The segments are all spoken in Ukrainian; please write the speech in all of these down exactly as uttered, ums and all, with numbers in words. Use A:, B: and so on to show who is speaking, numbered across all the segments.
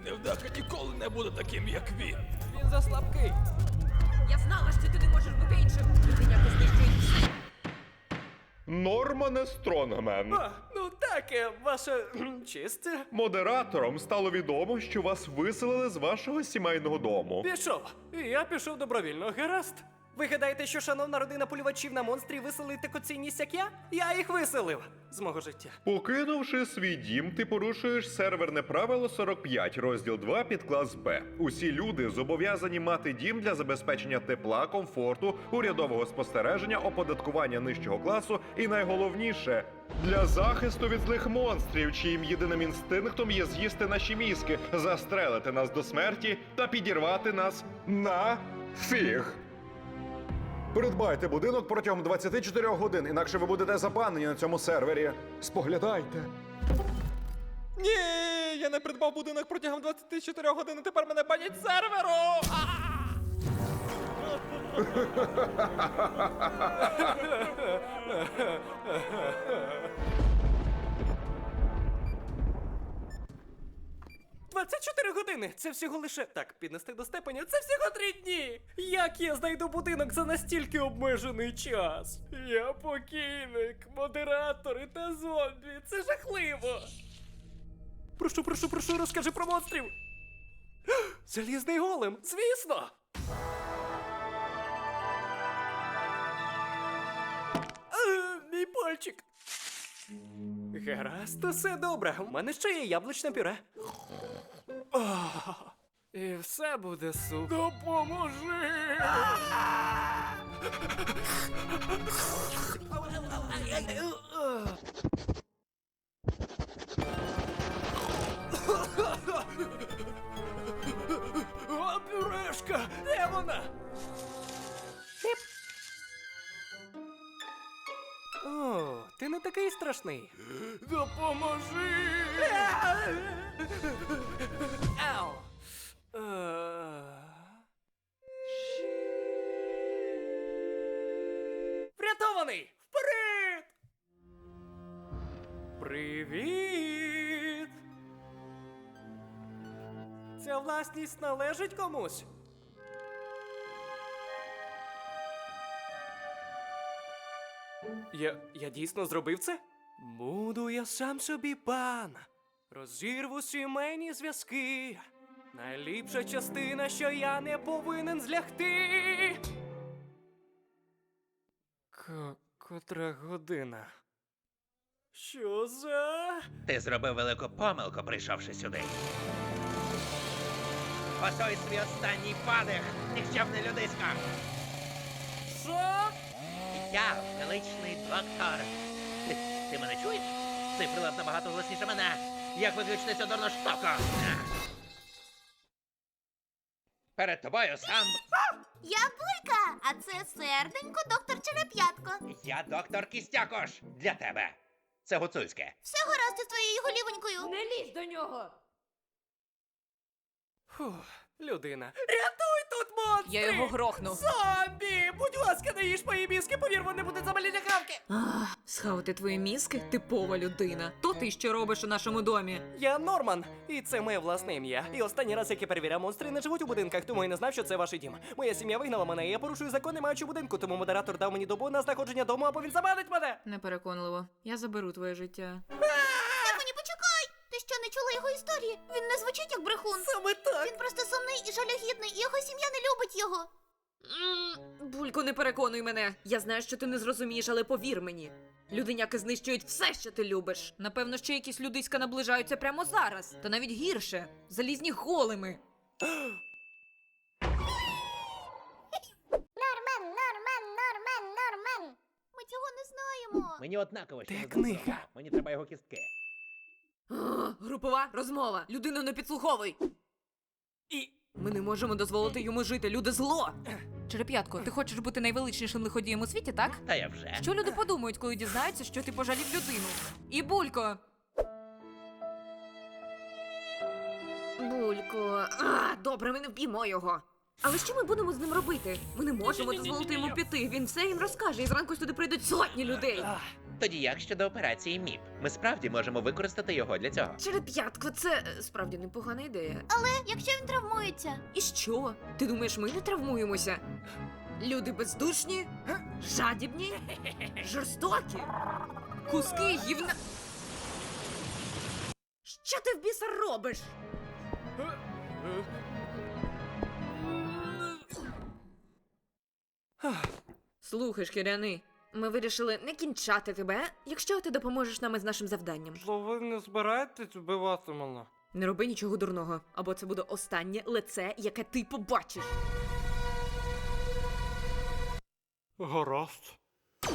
A: невдаха ніколи не буде таким, як він.
B: Він заслабкий.
C: Я знала, що ти не можеш бути іншим. Людиня знищує все.
D: Нормане Стронгмен.
B: А, ну так, е, ваша кхм, честь.
D: Модератором стало відомо, що вас виселили з вашого сімейного дому.
B: Пішов. І я пішов добровільно, гаразд. Ви гадаєте, що шановна родина полювачів на монстрів виселить таку цінність, як я? Я їх виселив з мого життя.
D: Покинувши свій дім, ти порушуєш серверне правило сорок п'ять, розділ два, підклас Б. Усі люди зобов'язані мати дім для забезпечення тепла, комфорту, урядового спостереження, оподаткування нижчого класу і найголовніше – для захисту від злих монстрів, чиїм єдиним інстинктом є з'їсти наші мізки, застрелити нас до смерті та підірвати нас на фіг.
E: Придбайте будинок протягом двадцяти чотирьох годин, інакше ви будете забанені на цьому сервері. Споглядайте.
B: Ні, я не придбав будинок протягом двадцяти чотирьох годин, і тепер мене банять з серверу! двадцять чотири години! Це всього лише... Так, піднести до степеня, це всього три дні! Як я знайду будинок за настільки обмежений час? Я покійник, модератори та зомбі, це жахливо! Прошу, прошу, прошу, розкажи про монстрів! Залізний голем, звісно! Е, мій пальчик! Гаразд, усе добре. У мене ще є яблучне пюре. Ох, і все буде супер. Допоможи! О, пюрешка! Де вона? О, ти не такий страшний. Допоможи! Ау! Е. Врятований! Вперед! Привіт! Ця власність належить комусь? Я, я дійсно зробив це? Буду я сам собі пан. Розірву сімейні зв'язки. Найліпша частина, що я не повинен злягти. К- котра година? Що за...
F: Ти зробив велику помилку, прийшовши сюди. Посой свій останній подих, нікчемний людисько.
B: Що?
F: Я величний доктор. Ти, ти мене чуєш? Цей прилад набагато голосніше мене. Як виключити цю дурну штуку? Перед тобою сам...
G: Я Булька, а це серденько доктор Череп'ятко.
F: Я доктор Кістякош. Для тебе. Це гуцульське.
G: Все гаразд із твоєю голівонькою.
C: Не лізь до нього!
B: Фух, людина. Рятуй тут монстри!
C: Я його грохну.
B: Зомбі! Будь ласка, не їж мої мізки, повір, вони будуть замаліти хавки!
C: Ах, схавати твої мізки? Типова людина. То ти що робиш у нашому домі?
B: Я Норман, і це моє власне ім'я. І останній раз, як я перевіряв, монстри не живуть у будинках, тому я не знав, що це ваш дім. Моя сім'я вигнала мене, і я порушую закон, не маючи будинку, тому модератор дав мені добу на знаходження дому, або він забанить мене!
C: Непереконливо. Я заберу твоє життя.
G: Стефані, почекай! Ти що, не чула його історії? Він не звучить як брехун.
B: Саме так!
G: Він просто сумний і жалюгідний, і його сім'я не любить його.
C: М, Булько, не переконуй мене. Я знаю, що ти не зрозумієш, але повір мені. Людиняки знищують все, що ти любиш. Напевно, ще якісь людиська наближаються прямо зараз. Та навіть гірше. Залізні голими.
G: Нормен, Нормен, Нормен, Нормен. Ми цього не знаємо.
F: Мені однаково, що
B: Де
F: це за
B: книга?
F: особа. Мені треба його кістки.
C: О, групова розмова. Людину не підслуховуй.
B: І...
C: Ми не можемо дозволити йому жити. Люди зло. Череп'ятко, ти хочеш бути найвеличнішим лиходієм у світі, так?
F: Та я вже.
C: Що люди подумають, коли дізнаються, що ти пожалів людину? І Булько. Булько. А, добре, ми не вб'ємо його. Але що ми будемо з ним робити? Ми не можемо дозволити йому піти. Він все їм розкаже, і зранку сюди прийдуть сотні людей.
F: Тоді як щодо операції МІП? Ми справді можемо використати його для цього.
C: Череп'ятко, це е, справді непогана ідея.
G: Але якщо він травмується,
C: І що? Ти думаєш, ми не травмуємося? Люди бездушні, жадібні, жорстокі, куски гівна. Що ти в біса робиш? Слухай, шкіряний, ми вирішили не кінчати тебе, якщо ти допоможеш нам із нашим завданням.
B: То ви не збираєтесь вбивати мене?
C: Не роби нічого дурного, або це буде останнє лице, яке ти побачиш.
B: Гаразд.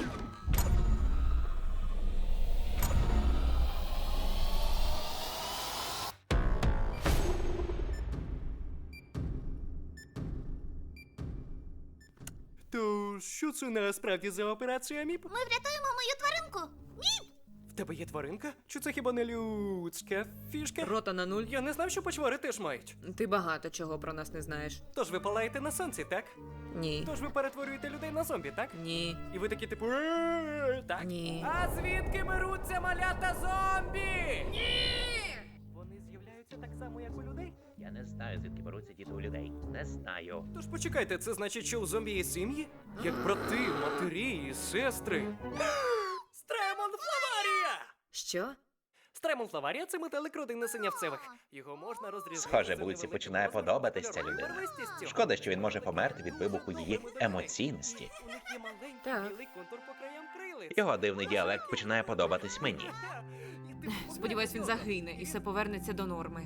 B: То що це насправді за операція МІП?
G: ми врятуємо мою тваринку.
B: В тебе є тваринка? Чи це хіба не людська фішка?
C: Рота на нуль.
B: Я не знав, що почвари теж мають.
C: Ти багато чого про нас не знаєш.
B: Тож ви палаєте на сонці, так?
C: Ні.
B: Тож ви перетворюєте людей на зомбі, так?
C: Ні.
B: І ви такі типу «Е-е-е», так?
C: Ні.
B: А звідки беруться малята зомбі? Ні! Вони з'являються так само, як у людей?
F: Я не знаю, звідки беруться діти у людей. Не знаю.
B: Тож почекайте, це значить, що у зомбі є сім'ї? Як брати, матері і сестри. Стремон Флаварія!
C: Що?
B: Стремон Флаварія – це метелик родини синявцевих. Його можна розрізати.
F: Схоже,
B: за
F: Бульці
B: невеликим
F: починає
B: розміром
F: подобатись ця
B: кольорової
F: людина.
B: барвистістю.
F: Шкода, що він може померти від вибуху її емоційності.
B: У них є маленький
C: Так.
B: білий контур по краям крилиць.
F: Його дивний діалект починає подобатись мені.
B: І ти
C: Сподіваюсь, він загине і все повернеться до норми.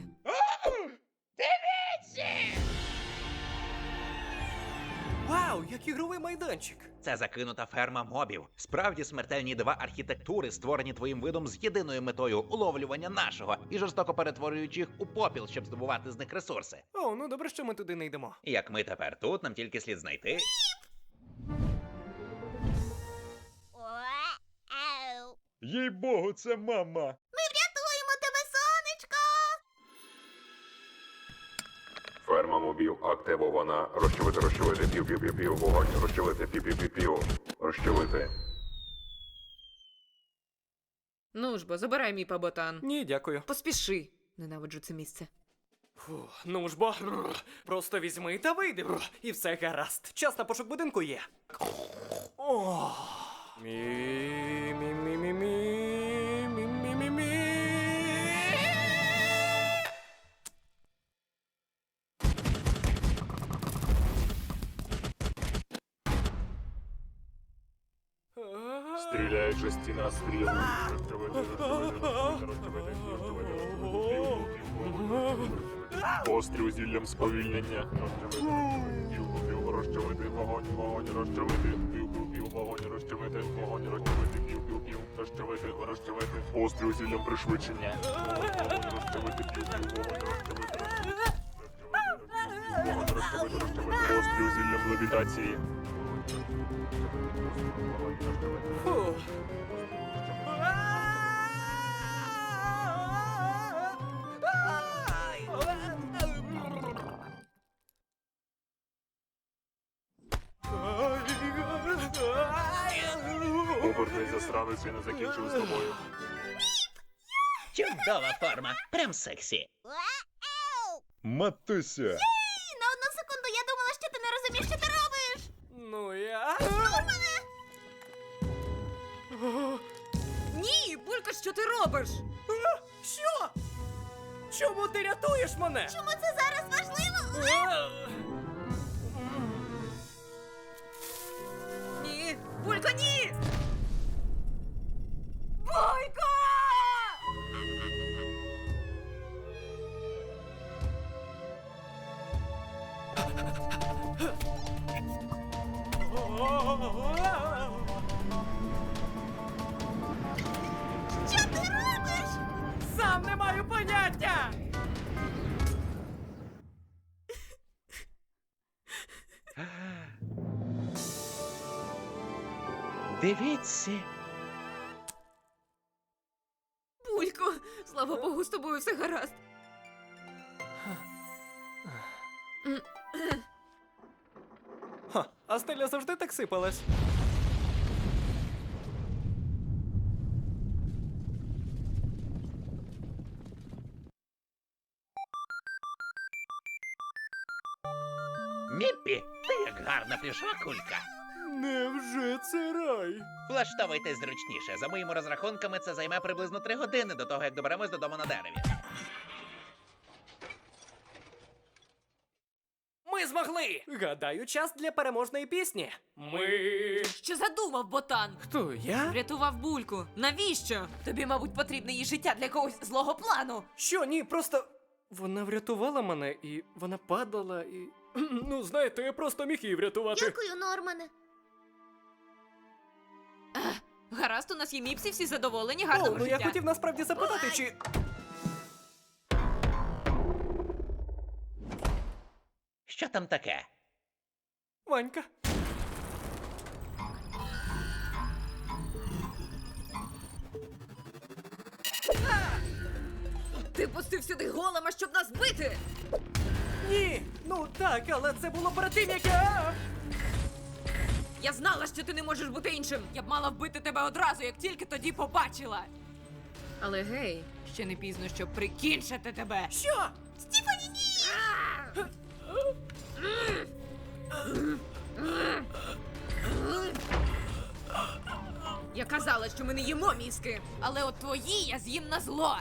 B: Вау, як ігровий майданчик!
F: Це закинута ферма мобів. Справді смертельні дива архітектури, створені твоїм видом з єдиною метою уловлювання нашого і жорстоко перетворюючи їх у попіл, щоб здобувати з них ресурси.
B: О, ну добре, що ми туди не йдемо.
F: І як ми тепер тут, нам тільки слід знайти.
G: Ау.
E: Їй богу, це мама.
G: Ми врятуємо тебе, сонечко!
E: Ферма мобів активована. Розчавити, розчавити, пів, пів, пів, пів, вогонь, розчавити, пів, пів, пів, пів, розчавити.
C: Ну ж бо, забирай мій паботан.
B: Ні, дякую.
C: Поспіши. Ненавиджу це місце.
B: Фу, ну ж бо, просто візьми та вийди, і все гаразд. Час на пошук будинку є. О, мі, мі, мі, мі, мі, мі, мі, мі, мі.
H: Стріляючи стіна стріл. Розчавити, розчавити, розчавити, розчавити. Постріл зіллям сповільнення. Розчавити, розчавити, вогонь, вогонь, розчавити. Пів, вогонь, розчавити, вогонь, розчавити, пів, пів, пів, розчавити, розчавити. Постріл зіллям пришвидшення. Вогонь, розчавити, пів, пів, вогонь, розчавити. Вогонь, розчавити, розчавити. Постріл зіллям левітації.
B: Фу.
H: Обернись, засранець, я не закінчив з тобою.
F: Чудова форма, прям сексі.
G: Ау.
E: Матуся.
G: На одну секунду я думала, що ти не розумієш, що ти робиш.
B: Ну я.
C: Ні, Булька, що ти робиш?
B: Що? Чому ти рятуєш мене?
G: Чому це зараз важливо?
C: Ні, Булька, ні! Булька!
G: Що ти робиш?
B: Сам не маю поняття!
F: Дивіться.
C: Булько, слава Богу, з тобою все гаразд.
B: а стеля завжди так сипалась.
F: Міппі, ти як гарна плюшова кулька.
B: Невже це рай?
F: Влаштовуйтесь зручніше. За моїми розрахунками, це займе приблизно три години до того, як доберемось додому на дереві.
B: Ми змогли! Гадаю, час для переможної пісні. Ми.
C: Що задумав, ботан?
B: Хто я?
C: Врятував бульку. Навіщо? Тобі, мабуть, потрібне її життя для якогось злого плану.
B: Що, ні, просто. Вона врятувала мене, і вона падала, і. Ну, знаєте, я просто міг її врятувати.
G: Дякую, Нормане.
C: Гаразд, у нас є міпсі, всі задоволені,
B: О,
C: гарного
B: ну
C: життя.
B: я хотів насправді запитати, чи.
F: Що там таке?
B: Ванька.
C: Ти пустив сюди голема, щоб нас бити!
B: Ні! Ну так, але це було перед тим, як я.
C: Я знала, що ти не можеш бути іншим. Я б мала вбити тебе одразу, як тільки тоді побачила. Але гей, ще не пізно, щоб прикінчити тебе.
B: Що?
G: Стіфані, ні!
C: Я казала, що ми не їмо мізки, але от твої я з'їм на зло.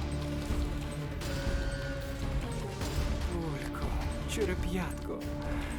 B: Булько, череп'ятко.